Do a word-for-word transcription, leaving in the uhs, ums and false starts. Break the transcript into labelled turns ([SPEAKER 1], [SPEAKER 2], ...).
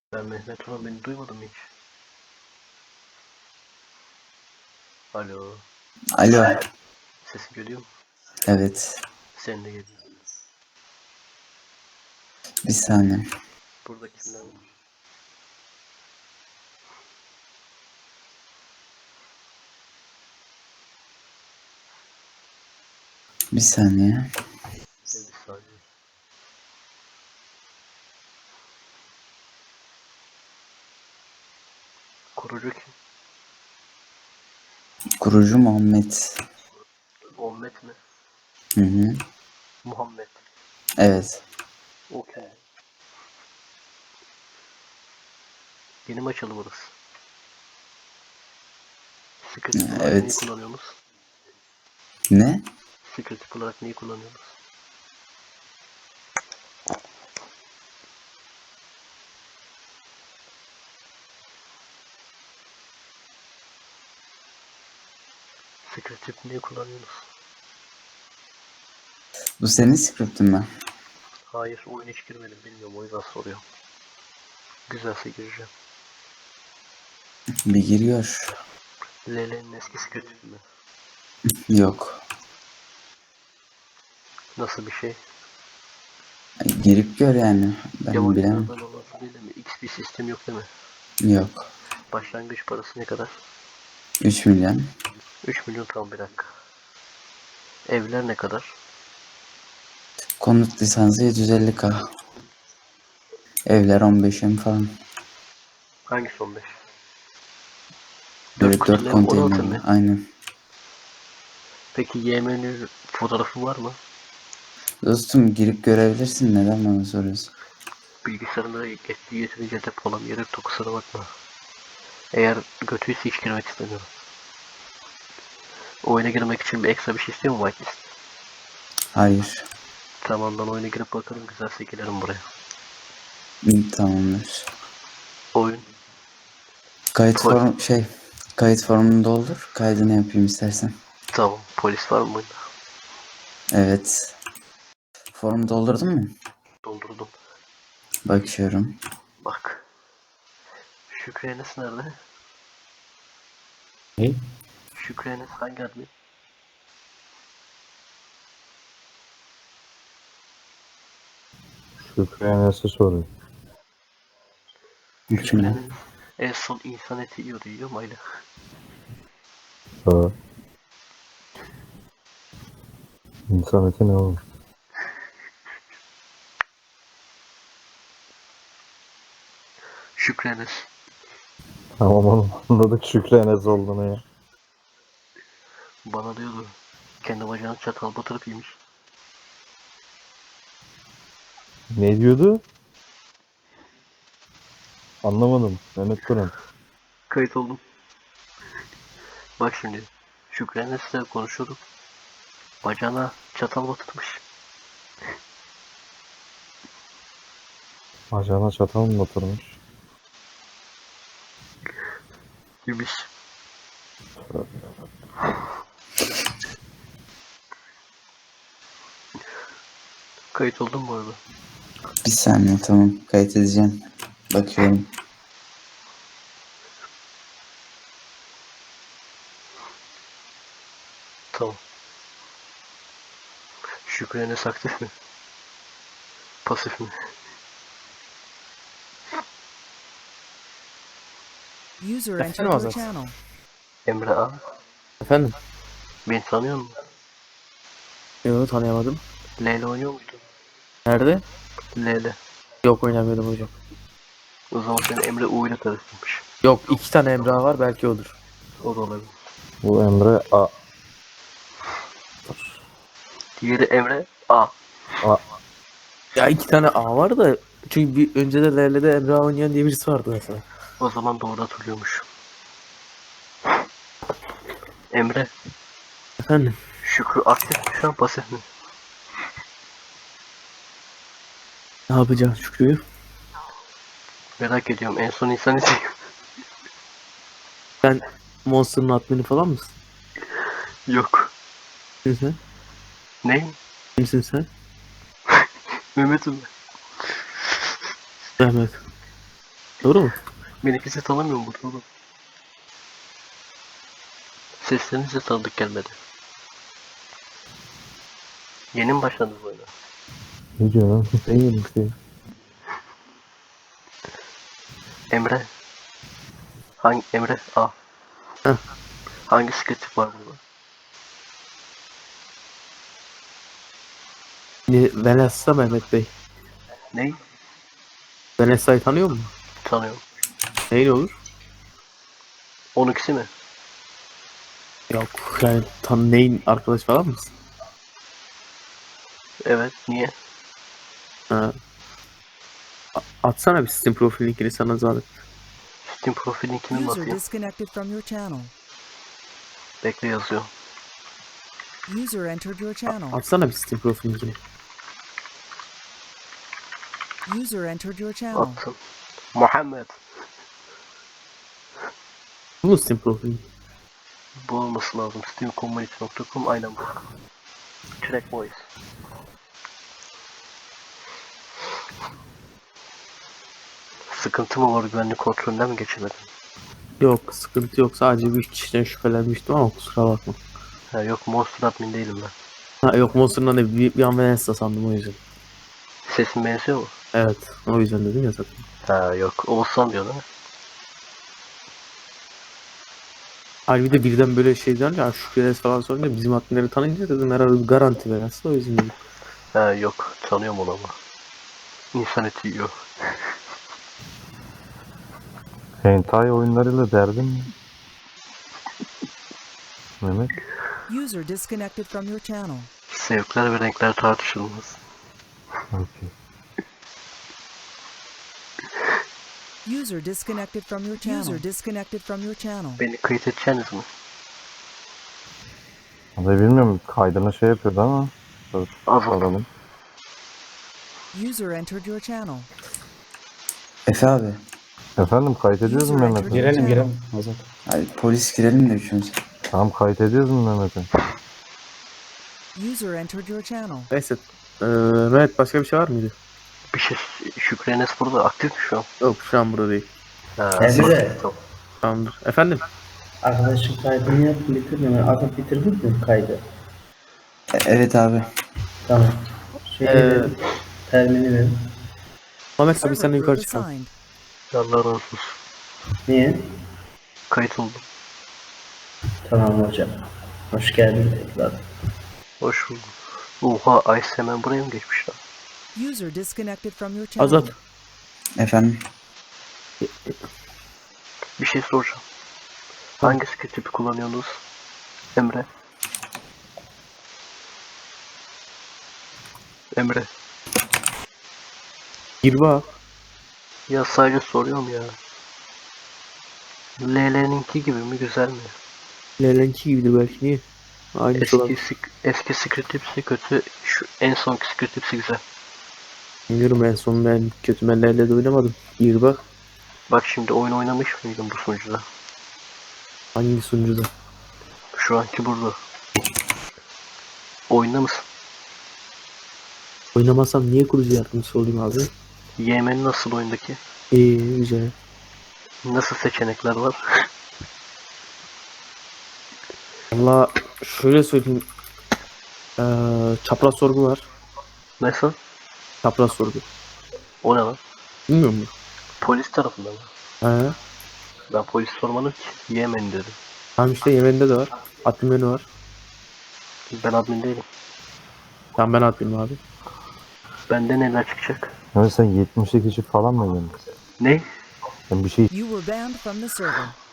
[SPEAKER 1] Ben Mehmet Ulan beni duymadım hiç. Alo.
[SPEAKER 2] Alo.
[SPEAKER 1] Sesim geliyor mu?
[SPEAKER 2] Evet.
[SPEAKER 1] Senin de geliyor.
[SPEAKER 2] Bir saniye.
[SPEAKER 1] Burada kimler var?
[SPEAKER 2] Bir saniye.
[SPEAKER 1] Bir saniye. Kurucu kim?
[SPEAKER 2] Kurucu Muhammed.
[SPEAKER 1] Muhammed mi?
[SPEAKER 2] Hı hı.
[SPEAKER 1] Muhammed.
[SPEAKER 2] Evet.
[SPEAKER 1] Okey. Yeni mi açıldı burası? Secret olarak neyi
[SPEAKER 2] Evet.
[SPEAKER 1] kullanıyorsunuz?
[SPEAKER 2] Ne?
[SPEAKER 1] Secret olarak neyi kullanıyorsunuz? Secret tip neyi kullanıyorsunuz?
[SPEAKER 2] Bu senin script'in mi?
[SPEAKER 1] Hayır, oyuna hiç girmedim, bilmiyorum, o yüzden soruyorum. Güzelse gireceğim.
[SPEAKER 2] Bir giriyor.
[SPEAKER 1] L L'nin eski secret tipi mi?
[SPEAKER 2] Yok.
[SPEAKER 1] Nasıl bir şey?
[SPEAKER 2] Ay, girip gör yani. Ben bilemem.
[SPEAKER 1] Yabancılardan olması değil mi? X bir sistem yok değil mi?
[SPEAKER 2] Yok.
[SPEAKER 1] Başlangıç parası ne kadar?
[SPEAKER 2] üç milyon.
[SPEAKER 1] üç milyon, tam bir dakika. Evler ne kadar?
[SPEAKER 2] Konut lisansı yedi yüz elli K. Evler on beş M falan.
[SPEAKER 1] Hangisi on beş? dört
[SPEAKER 2] Evet, dört
[SPEAKER 1] kutulu ev on altı
[SPEAKER 2] konteynerli.
[SPEAKER 1] mı?
[SPEAKER 2] Aynen.
[SPEAKER 1] Peki Y M'nin fotoğrafı var mı?
[SPEAKER 2] Dostum girip görebilirsin. Neden bana soruyorsun?
[SPEAKER 1] Bilgisayarında yettiği yeterince depolamıyorum, kusura bakma. Eğer götüyse hiç girmek istemiyorum. Oyuna girmek için bir ekstra bir şey istiyor mu whitelist?
[SPEAKER 2] Hayır.
[SPEAKER 1] Tamam, ben oyuna girip bakarım, güzelse gelirim buraya.
[SPEAKER 2] Hı, tamamdır.
[SPEAKER 1] Oyun.
[SPEAKER 2] Kayıt
[SPEAKER 1] Pol
[SPEAKER 2] form şey. Kayıt formunu doldur. Kaydını yapayım istersen.
[SPEAKER 1] tamam. Polis var mı oyunda?
[SPEAKER 2] Evet. Formu doldurdun mu?
[SPEAKER 1] Doldurdum.
[SPEAKER 2] Bakıyorum.
[SPEAKER 1] Bak. Şükrü Enes nerede?
[SPEAKER 3] Ne?
[SPEAKER 1] Şükrü Enes hangi admin?
[SPEAKER 3] Şükrü Enes'e soruyor.
[SPEAKER 2] üç
[SPEAKER 1] Şükrü
[SPEAKER 2] milyon.
[SPEAKER 1] Enes en son insan eti yiyordu, yiyor mu hala?
[SPEAKER 3] Ha. İnsan eti ne oğlum?
[SPEAKER 1] Şükrü Enes.
[SPEAKER 3] Tamam oğlum, anladık Şükrü Enes olduğunu ya.
[SPEAKER 1] Bana diyordu. Kendi bacağını çatal batırıp yemiş.
[SPEAKER 3] Ne diyordu? Anlamadım. Mehmet Turan.
[SPEAKER 1] Kayıt oldum. Bak şimdi. Şükrü Enes'le konuşuyorduk. Bacağına çatal batırmış.
[SPEAKER 3] Bacağına çatal mı batırmış?
[SPEAKER 1] Yemiş. Kayıt oldum bu arada.
[SPEAKER 2] Bir saniye, tamam. Kayıt edeceğim. Bakıyorum.
[SPEAKER 1] Tamam. Şükrü Enes aktif mi? Pasif mi?
[SPEAKER 4] User entered
[SPEAKER 5] Efendim
[SPEAKER 4] your
[SPEAKER 5] Azat.
[SPEAKER 4] channel.
[SPEAKER 1] Emre A.
[SPEAKER 5] Efendim?
[SPEAKER 1] Beni tanıyor musun?
[SPEAKER 5] Yok, tanıyamadım.
[SPEAKER 1] L L oynuyor muydun?
[SPEAKER 5] Nerede?
[SPEAKER 1] L L.
[SPEAKER 5] Yok, oynamıyordum hocam.
[SPEAKER 1] O zaman seni Emre U ile karıştırmış.
[SPEAKER 5] Yok, iki tane Emrah var, belki odur.
[SPEAKER 1] O da olabilir.
[SPEAKER 3] Bu Emre A.
[SPEAKER 1] Diğeri Emre A.
[SPEAKER 3] A.
[SPEAKER 5] Ya iki tane A var da, çünkü bir önce de L L'de Emrah oynayan diye birisi vardı mesela.
[SPEAKER 1] O zaman doğru hatırlıyormuş. Emre.
[SPEAKER 5] Efendim?
[SPEAKER 1] Şükrü aktif mi şu an, pasif mi?
[SPEAKER 5] Ne yapacağım Şükrü'yü?
[SPEAKER 1] Merak ediyorum. En son insan eti.
[SPEAKER 5] Sen Monster'ın admini falan mısın?
[SPEAKER 1] Yok.
[SPEAKER 5] Kimsin sen?
[SPEAKER 1] Ne?
[SPEAKER 5] Kimsin sen?
[SPEAKER 1] Mehmet'im.
[SPEAKER 5] Mehmet. Doğru mu?
[SPEAKER 1] Beni kimse tanımıyor mu burada oğlum? Sesleriniz de tanıdık gelmedi. Yeni mi başladınız bu oyuna?
[SPEAKER 3] Ne diyorsun lan? Ne yedim şey?
[SPEAKER 1] Emre. Hangi Emre? A.
[SPEAKER 5] Heh.
[SPEAKER 1] Hangi sketch var burada?
[SPEAKER 5] Ne- Vanessa Mehmet Bey.
[SPEAKER 1] Ney?
[SPEAKER 5] Vanessa'yı tanıyor musun?
[SPEAKER 1] Tanıyorum.
[SPEAKER 5] Neyin olur?
[SPEAKER 1] on ikisi mi?
[SPEAKER 5] Yok yani tan neyin arkadaş falan mısın?
[SPEAKER 1] Evet. Niye?
[SPEAKER 5] Ha. A- Atsana bir Steam profil linkini sana zahmet.
[SPEAKER 1] Steam profil linkini mi
[SPEAKER 4] User
[SPEAKER 1] atayım?
[SPEAKER 4] disconnected from your channel.
[SPEAKER 1] Bekle yazıyor.
[SPEAKER 4] User entered your channel.
[SPEAKER 5] Atsana bir Steam profil linkini.
[SPEAKER 4] User entered your channel.
[SPEAKER 1] Attım. Muhammed.
[SPEAKER 5] Bu mu Steam profil linki?
[SPEAKER 1] Bu olması lazım. steam community nokta com aynen bu. Track Voice. Sıkıntı mı var, güvenlik kontrolünden mi geçemedin?
[SPEAKER 5] Yok sıkıntı yok, sadece bir kişiden şüphelenmiştim ama kusura bakma.
[SPEAKER 1] Ha yok, Monster Admin değilim ben.
[SPEAKER 5] Ha yok Monster'dan da bir, bir an Vanessa sandım o yüzden.
[SPEAKER 1] Sesim benziyor mu?
[SPEAKER 5] Evet o yüzden dedim ya zaten.
[SPEAKER 1] Ha yok, Oğuzhan diyor değil mi?
[SPEAKER 5] Hayır bir de birden böyle şeyden ya Şükrenes falan sorunca bizim adminleri tanıyınca dedim herhalde bir garanti Vanessa o yüzden dedim.
[SPEAKER 1] Ha yok, tanıyorum onu ama. İnsan eti yiyor.
[SPEAKER 3] Hentai oyunlarıyla derdin mi? Mehmet.
[SPEAKER 4] User disconnected from your channel.
[SPEAKER 1] Zevkler ve renkler tartışılmaz.
[SPEAKER 3] Okey.
[SPEAKER 4] User disconnected from your channel. User disconnected from your channel.
[SPEAKER 1] Beni kayıt edeceksiniz mi?
[SPEAKER 3] Vallahi bilmiyorum, kaydına şey yapıyordu ama. Dur,
[SPEAKER 1] Azat.
[SPEAKER 3] alalım.
[SPEAKER 4] User entered your channel.
[SPEAKER 2] Efe abi.
[SPEAKER 3] Efendim kayıt ediyoruz mu
[SPEAKER 4] User
[SPEAKER 3] Mehmet'i?
[SPEAKER 4] entered your
[SPEAKER 6] Girelim
[SPEAKER 4] channel.
[SPEAKER 6] girelim. Hazır.
[SPEAKER 2] Hadi polis girelim de üçümüz.
[SPEAKER 3] Tamam kayıt ediyoruz mu Mehmet'i?
[SPEAKER 4] User entered your channel.
[SPEAKER 5] Neyse. Ee, Mehmet başka bir şey var mıydı?
[SPEAKER 1] Bir şey, Şükrü Enes burada aktif mi şu an?
[SPEAKER 5] Yok şu an burada değil.
[SPEAKER 1] Ha,
[SPEAKER 6] Nerede de?
[SPEAKER 1] tamam.
[SPEAKER 5] Tamamdır. Efendim?
[SPEAKER 6] Arkadaşın kaydını yaptım bitirdim. Yani adam bitirdin mi kaydı?
[SPEAKER 2] E- evet abi.
[SPEAKER 6] Tamam. Şey
[SPEAKER 5] Ee,
[SPEAKER 6] verin, termini verin.
[SPEAKER 5] Mehmet abi sen
[SPEAKER 4] Server
[SPEAKER 5] de yukarı
[SPEAKER 4] group
[SPEAKER 5] çıkalım.
[SPEAKER 4] assigned.
[SPEAKER 1] Allah razı olsun.
[SPEAKER 6] Niye?
[SPEAKER 1] Kayıt oldum.
[SPEAKER 6] Tamam hocam. Hoş geldin tekrar.
[SPEAKER 1] Hoş bulduk. Oha, Ice hemen buraya mı geçmiş lan?
[SPEAKER 4] User disconnected from your channel.
[SPEAKER 5] Azat.
[SPEAKER 2] Efendim.
[SPEAKER 1] Bir şey soracağım. Hangi skill tipi kullanıyorsunuz? Emre. Emre.
[SPEAKER 5] Gir bak.
[SPEAKER 1] Ya sadece soruyorum ya. L L'ninki gibi mi, güzel mi?
[SPEAKER 5] Lelenki gibidir belki niye? Aynısı olan.
[SPEAKER 1] Eski, sik- eski script tipsi kötü, şu en sonki script tipsi güzel.
[SPEAKER 5] Bilmiyorum en son ben kötü ben Lele'de oynamadım. Gir bak.
[SPEAKER 1] Bak şimdi oyun oynamış mıydın bu sunucuda?
[SPEAKER 5] Hangi sunucuda?
[SPEAKER 1] Şu anki burada. Oyunda mısın?
[SPEAKER 5] Oynamasam niye kurucu yardımcısı olayım abi?
[SPEAKER 1] Yemen nasıl oyundaki?
[SPEAKER 5] İyi güzel.
[SPEAKER 1] Nasıl seçenekler var?
[SPEAKER 5] Valla şöyle söyleyeyim. Ee, çapraz sorgu var.
[SPEAKER 1] Nasıl?
[SPEAKER 5] Çapraz sorgu.
[SPEAKER 1] O ne lan?
[SPEAKER 5] Bilmiyor musun?
[SPEAKER 1] Polis tarafından mı?
[SPEAKER 5] He.
[SPEAKER 1] Ben polis sormadım ki. Yemen dedim.
[SPEAKER 5] Tamam işte Yemen'de de var. Admin menü var.
[SPEAKER 1] Ben admin değilim.
[SPEAKER 5] Tamam ben adminim abi.
[SPEAKER 1] Bende neler çıkacak?
[SPEAKER 3] Mehmet sen yetmiş kişi falan mı yedin?
[SPEAKER 1] Ne?
[SPEAKER 3] Ben bir şey
[SPEAKER 4] You were banned from the server.